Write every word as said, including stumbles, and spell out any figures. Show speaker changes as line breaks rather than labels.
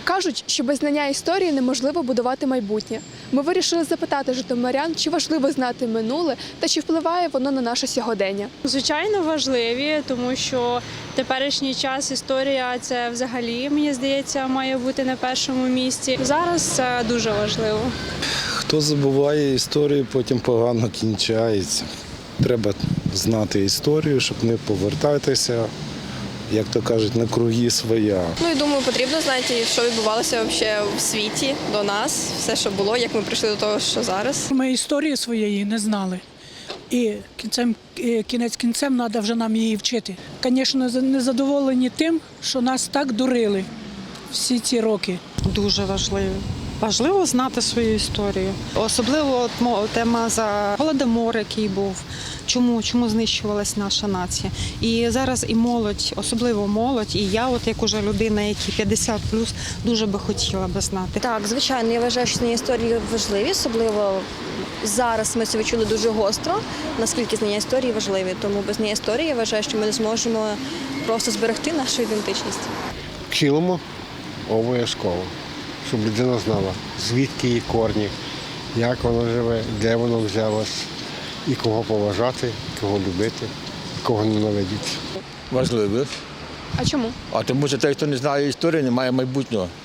Кажуть, що без знання історії неможливо будувати майбутнє. Ми вирішили запитати житомирян, чи важливо знати минуле та чи впливає воно на наше сьогодення.
Звичайно, важливі, тому що в теперішній час історія – це взагалі, мені здається, має бути на першому місці. Зараз це дуже важливо.
Хто забуває історію, потім погано кінчається. Треба знати історію, щоб не повертатися, як то кажуть, на круги своя.
Ну і думаю, потрібно знати, що відбувалося взагалі в світі до нас, все, що було, як ми прийшли до того, що зараз.
Ми історії своєї не знали. І кінцем, кінець кінцем треба вже нам її вчити. Звісно, не задоволені тим, що нас так дурили всі ці роки.
Дуже важливо. Важливо знати свою історію. Особливо от мо- тема за Голодомор, який був, чому, чому знищувалась наша нація. І зараз і молодь, особливо молодь, і я, от як уже людина, які п'ятдесят плюс, дуже би хотіла би знати.
Так, звичайно, я вважаю, що знання історії важливі, особливо зараз ми це відчули дуже гостро, наскільки знання історії важливі. Тому без знання історії я вважаю, що ми не зможемо просто зберегти нашу ідентичність.
Вчилимо обов'язково, щоб людина знала, звідки її корні, як воно живе, де воно взялось, і кого поважати, кого любити, кого ненавидіти.
Важливо.
А чому?
А тому що той, хто не знає історії, не має майбутнього.